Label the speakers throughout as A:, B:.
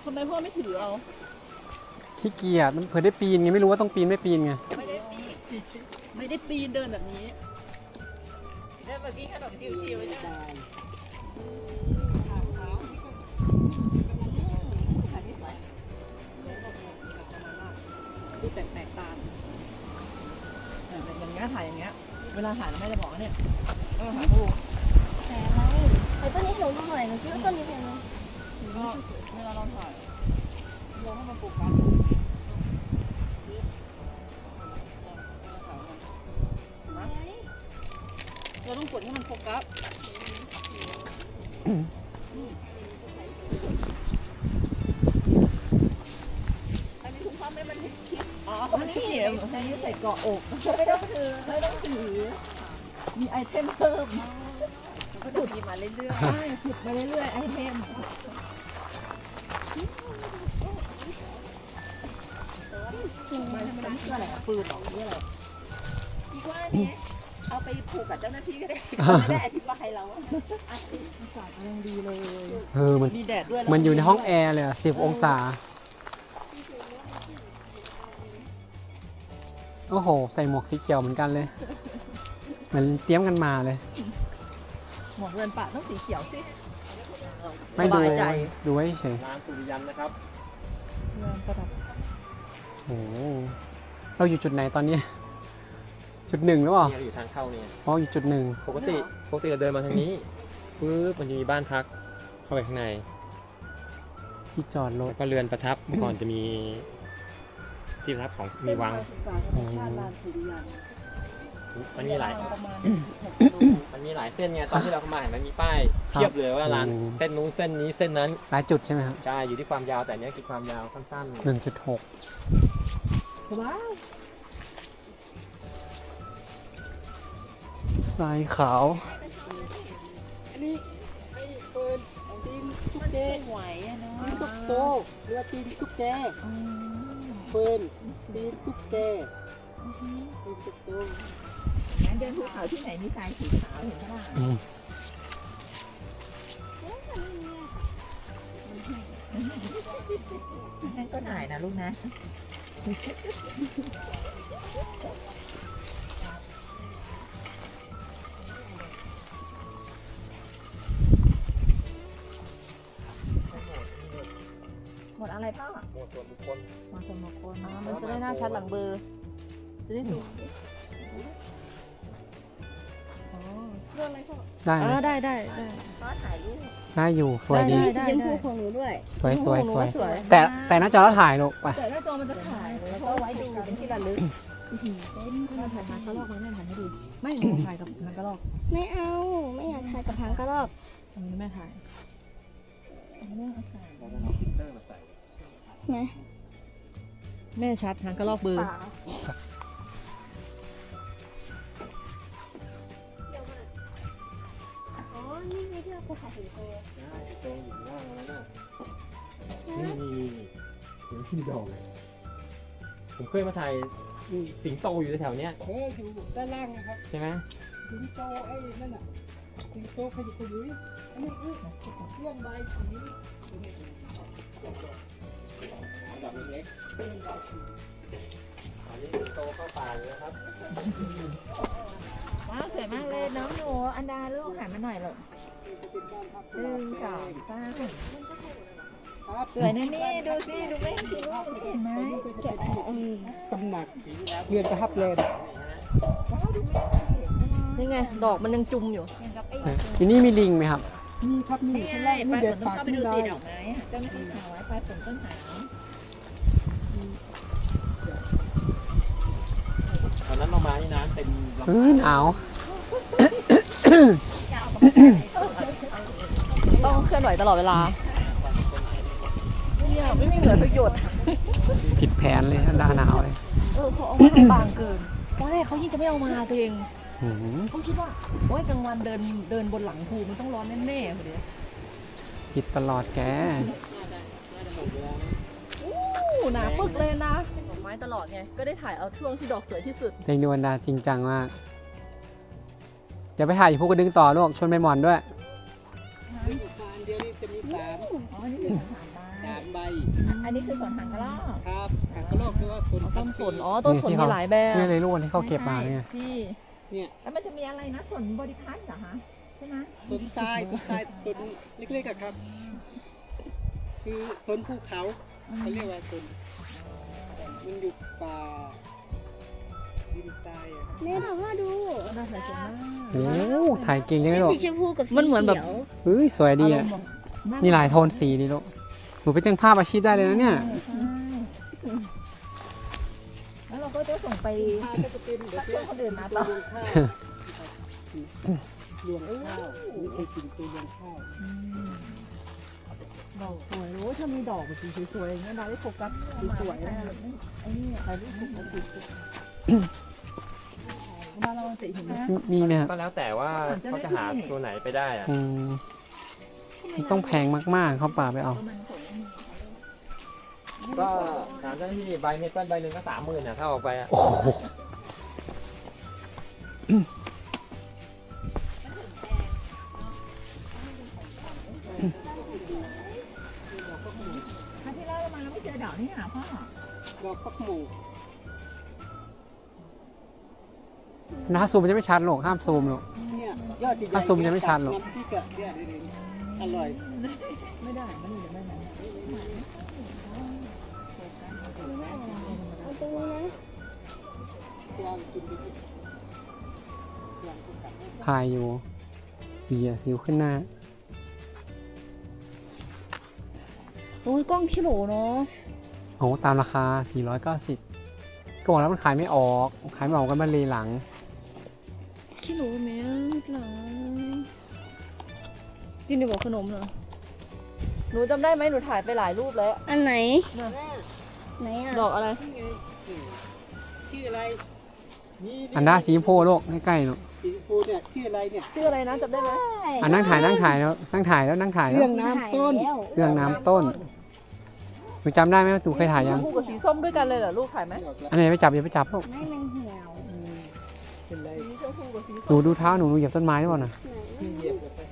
A: ทำไมพ่อไม่ถือเอา
B: ขี้เกียจมันเผื่อได้ปีนไงไม่รู้ว่าต้องปีนไม่ปีนไง
A: ไม่ได้ปีนเดินแบบนี้
C: เดินแบบกินขนมชิวๆใช่ไหม
A: ดูแปลกๆตาอย่างเงี้ยถ่ายอย่างเงี้ยเวลาถ่ายแม่จะบอกเนี่ยถ่ายรูป
D: แต่อะไรไอ้ต้นนี้หนูหน่อยหนูคิดว่าต้นนี้เป็นไง
A: ก็เวลาเราถ่ายลองให้มันโฟกัสเราต้องกดให้มันโฟกัสอันนี้ถุงผ้าไม่มันเห็นคลิปอ๋ออันนี้ใส่เกาะอกไม่ต้องถือมีไอเทมเพิ่มก็จะมีมาเรื่อยๆใช่ขุดมาเรื่อยๆไอเทมมันเพื่ออะไรปืนหรอเพื่ออะไรอีกว่าเนี่ยเอาไปผูกกับเจ้าหน้าที่ก็ได้ไม่ได้อธิบายเราอากาศยังดีเลย
B: มัน
A: มีแดดด้วย
B: มันอยู่ในห้องแอร์เลย10 องศาโอ้โหใส่หมวกสีเขียวเหมือนกันเลยเหมือนเตรียมกันมาเลย
A: หมวกเรือนป่าต้องสีเขียวสิ
B: ไม่ดูไว้เฉย
E: ร้านสุริยันนะครับ
A: เรือนประดับ
B: โอ้เราอยู่จุดไหนตอนนี้จุด 1หรือเปล่า
E: อยู่ทางเข้าเนี่ย
B: อ๋ออยู่จุด 1
E: ปกติเราเดินมาทางนี้ปึ๊บมันจะมีบ้านพักเข้าไปข้างใน
B: ที่จอดรถ
E: แล้วก็เรือนประทับเมื่อก่อนจะมีที่ประทับของมีวังมันมีหลายเส้นไงตอนที่เราเข้ามาเห็นมันมีป้ายเทียบเลยว่าร้านเส้นนู้นเส้นนี้เส้นนั้น
B: หลายจุดใช่ไหมครับ
E: ใช่อยู่ที่ความยาวแต่เนี้ยคือความยาวสั้นๆ
B: 1.6
A: สบาย
B: ทรายขาว
C: อันนี้ไอ้ปืนตีนตุ๊กแก
A: หวยอะเนาะ
C: ตุ๊กโตเรือตีนตุ๊กแกปืนตีนตุ๊กแกตุ๊กโต
A: งั้นเดินภูเขาที่ไหนมีทรายสีขาวเห็นไหมล่ะนั่นก็ถ่ายนะลูกนะหมดอะไรพ่อ
E: หมดส่วนบุคคล
A: มันจะได้หน้าชัดหลังเบอร์จะได้ดูเรื่องอะไรพ่อได้พ่อถ่ายรูป
B: ได้อยู่สวยดี
D: สีชมพูของหนูด้วย
B: สวยแต่หน้าจอแล้วถ่ายลูกไป
A: แต่หน้าจอมันจะถ่ายแล้วก็ไว้ดูเป็นที่ระลึกไม่ถ่ายหางกระรอกไม่ถ่ายให้ดูไม่ถ่ายกับหางกระรอก
D: ไม่เอาไม่อยากถ่ายกับหางกระรอก
A: อันนี้แม่ถ่าย
D: นะ
A: แม่ชัดหางกระรอกเบอร์
D: อ๋อนี่ไงที่เราไปถ่ายสิงโต
E: โตอยู่ล่างแล้วนี่ที่ดอกผมเคยมาถ่ายสิงโตอยู่แถวเนี้ย
C: อยู่ด้านล่างนะครับ
E: ใช่ไหม
C: สิงโตไอ้นั่นน่ะสิงโตขยุกขยุยอันนี้เรื่องใบสี
E: แบบเล็กอันนี้สิงโตเข้าป่าเลยนะครับ
A: ว้าวสวยมากเลยน้องหนูอันดาลูกหันมาหน่อยหรอ1 2 3สวยนะนี่ดูสิดูไม่เห็นไหม
C: ตำหนักเรือนประทับเลย
A: นี่ไงดอกมันยังจุ่มอยู่
B: ที่นี่มีลิงไหมครับ
C: มีครับมี
A: ใช่ปลายฝนต้องเข้าไปดูตีดอกไม้เจ้าหน้าที่หาไว้ปลายฝนต้นหา
E: ตอนนั้นเรามาที่น้ำเต็ม
B: หนาว
A: ต้องเคลื่อนไหวตลอดเวลาเนี่ยไม่มีเหลือสักหยด
B: ผิดแผนเลยหนาวเลย
A: เขาเอามาบางเกินตอนแรกเขายิ่งจะไม่เอามาตัวเองเขาคิดว่าโอ้ยกลางวันเดินบนหลังภูมันต้องร้อนแน่ๆคนเดียว
B: ผิดตลอดแก
A: หนาปึกเลยนะดอกไม้ตลอดไงก็ได้ถ่ายเอาช่วงที่ดอกสวยที่สุด
B: เพลงดวงดาจริงจังมากเดี๋ยวไปถ่ายอยู่ภูกระดึงต่อลูกชวนไปหมอนด้วย
C: เดียวนี้จะมี3
A: อ๋อนี่เป็น3 บ้าน
C: 3 ใบ
A: อันนี้คือสวนหางกระรอก
C: ครับหางกระรอกคือว่าสน
A: ต้นสน
C: พั
A: อ๋อ
C: ธุ์
A: ต้นสนมีหลายแบบ
B: นี่เลยลูกที่เขาเก็บมาเนี่ย
A: ที่
C: เนี่ย
A: แล้วมันจะมีอะไรนะสนบริพัตรเหรอคะใช่ไหม
C: สนทรายสนเล็กๆอะครับ คือสนภูเขาเขาเรียกว่าสนมันอยู่ป่าดินทรายอะครับ
D: แม่ถามว่าดู
A: น่าสนใจมาก
B: โอ้ถ่ายเก่งจังเลยลูก
D: สีชมพูกับสี
A: มันเหมือนแบบ
D: ขียว
B: เฮ้ยสวยดีอ่ะ
A: ารมณ์แบบ
B: มีหลายโทนสีดีลูกหนูไปจ้างภาพอาชีพได้เลยนะเนี่ย
A: ใช่แล้วเราก็จะส่งไป
C: ข้าวก็จะเป็นเดี๋ยว
A: เพื่อนคนอื่นมาต่อ
C: เลี้ยงข้าวนี่คือกินตัวเลี้ยงข้าว
A: ดอกสวยรู้ถ้ามีดอกแบบสีสวยๆอย่างเงี้ยเราได้โฟกัสสวยๆนะไอ้นี่ถ่ายรูปสวยๆมาเราจะเห็นไหม
B: มีไหมครับ
E: ก็แล้วแต่ว่าเขาจะหาตัวไหนไปได้อะ
B: อืมมันต้องแพงมากๆเขาป่าไปเอา
E: ก็ถามเจ้าหน้าที่ใบเมเปิลใบหนึ่งก็30,000นะถ้าออกไปอะ
B: โอ้โห
A: ครั้งที่แล้วเรามาเราไม่เจอดอกนี่หาพ่อ
C: ดอกฟักหมู
B: นะซูมมันจะไม่ชัดหรอกห้ามซูมหรอก
C: เนี่ยยอดใหญ่ๆ
B: ถ้าซูมจะไม่ชัดหรอก
C: น้ำพริกอะเนี่ยอร่อย
A: ไม่ได้มันนี่เดี๋ยวไม่ได้
D: เอาตรงนี้นะ
C: ลองกินไปดิลองกินกับ
B: พายอยู่เหี้ยสิวขึ้นหน้า
D: โอ้ยกล้องคิโลเนาะ
B: โอ้ตามราคา 490 ก็บอกแล้วมันขายไม่ออก ขายไม่ออกกันมาเลยหลัง
D: คิโลแม่หลังกินดีบอกขนมเหรอ
A: หนูจำได้ไหมหนูถ่ายไปหลายรูปแล้ว
D: อันไหน
C: แม่
D: ไหนอ่ะ
A: ดอกอะไร
C: นี่ไงชื่ออะไรนี่
B: อันด้าสีชมพูลูกใกล้ๆลูก
C: สีชมพูเนี่ยชื่ออะไรเนี่ย
A: ชื่ออะไรนะจำได้ไหม
B: อันนั่งถ่ายแล้วนั่งถ่ายแล้วนั่งถ่ายแล้ว
C: เรื่องน้ำต้น
B: เรื่องน้ำต้นหนูจำได้ไหมว่าหนูเคยถ่ายยัง
A: คู่กับสีส้มด้วยกันเลยเหรอลูกถ่ายไหม
C: ดอกละ
B: อันไหนไปจับอย่าไปจับลูก
D: ไม่มันเหี่ยว
C: เป็นไร
A: สีชมพูกับสี
B: หนูดูเท้าหนูเหยียบต้นไม้หรือเปล่านะ
C: ที่เหยียบลงไป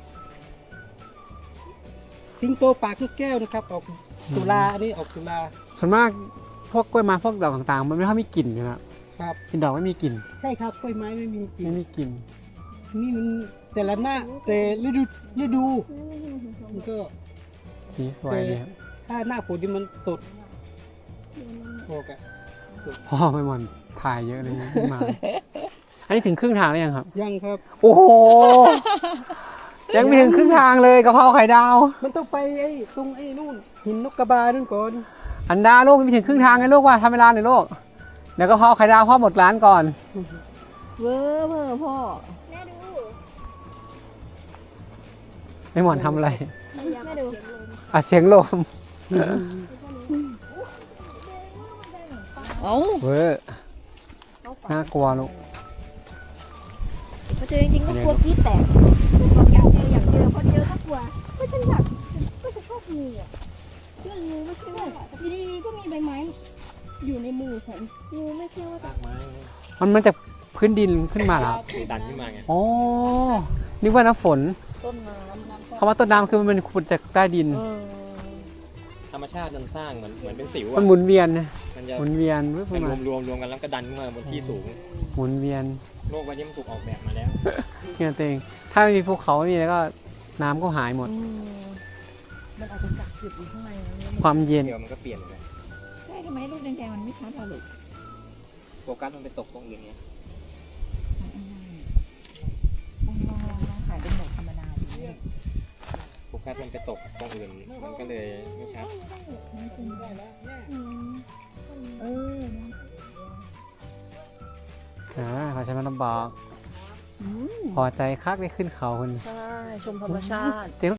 C: สิงโตปากลูกแก้วนะครับ ออกตุลาอันนี้ออกตุลา
B: ส่วนมากพวกกล้วยไม้พวกดอกต่างๆ มันไม่ค่อยมีกลิ่นใช่ไหมครับ
C: ครับ
B: เป็นดอกไม่มีกลิ่น
C: ใช่ครับกล้วยไม้ไม่มีกลิ่
B: ไม่
C: น
B: มีกลิ่น
C: นี่มันแต่ละหน้าแต่ฤดูมันก็
B: สีสวยดีครับ
C: ถ้าหน้าฝนนี่มันสดโอกอะ
B: พ่อไม่หมันถ่ายเยอะเลยมา อันนี้ถึงครึ่งทางแล้วยังครับ
C: ยังครับ
B: โอ้โห ยังไม่ถึงครึ่งทางเลยกะเพราไข่ดาว
C: มันต้องไปไอ้ตรงไอ้นู่นหินนกกระบานู่นก่อน
B: อันดาลูกยังไม่ถึงครึ่งทางไงลูกว่าทำเวลาหน่อยลูกเดี๋ยวกะเพราไข่ดาวพ่อหมดร้านก่อน
A: เวอร์พ่อ
D: แม่ดู
B: ไอ้หมอนทำอะไร
D: แม่ดู
B: อ่ะเสียงลม
A: เอ้า
B: เว้ยน่ากลัวลูก
D: พอเจอจริงๆก็กลัวกรี๊ดแตกบอกอยากเจออยากเจอพอเจอก็กลัวก็ฉันอยากก็จะชอบงูอ่ะเรื่องงูไม่ใช่ว่าอยู่ดีๆก็มีใบไม้อยู่ในมือฉันงูไม่ใช่ว่า
E: ตากไม้
B: มันจากพื้นดินขึ้นมาเหรอ
E: คือดันขึ้นมาไง
B: อ๋อนึกว่าน้ำฝน
A: ต้นน้ำ
B: คำว่าต้นน้ำคือมันเป็นขุดจากใต้ดิน
E: ธรรมชาติมันสร้างเหมือนเป็นสิว
B: มัน
E: อะ
B: หมุนเวียนนะ
E: มันจะ
B: หมุนเวียนวึบ
E: มัน
B: มาร
E: วมกันแล้วก็ดันขึ้นมาบนที่สูง
B: หมุนเวียน
E: โลกใบนี้มันถูกออกแบบมาแล้ว
B: เนี่ยตัวเองถ้าไม่มีภูเขาไม่มีแล้วก็น้ำก็หายหมด
A: มันอาจจะกักเก็บอยู่ข้างในนะ
B: ความเย็น
E: เดี๋ยวมันก็เปลี่ยนเลย
A: ใช่ทำไมลูกแดงๆมันไม่ชัดอะลูก
E: โฟกัสมันไปตกตรงอื่นไง
A: ลองถ่ายเป็นหมวดธรรมดาดูเนี่ย
E: โฟกัสมันไปตกตรงอื่นมันก็เลยไม่ชัด
A: เออ
B: ขอใช้มันลำบากพอใจคักได้ขึ้นเขาคน
A: ใช่ ชมธรรมชาติ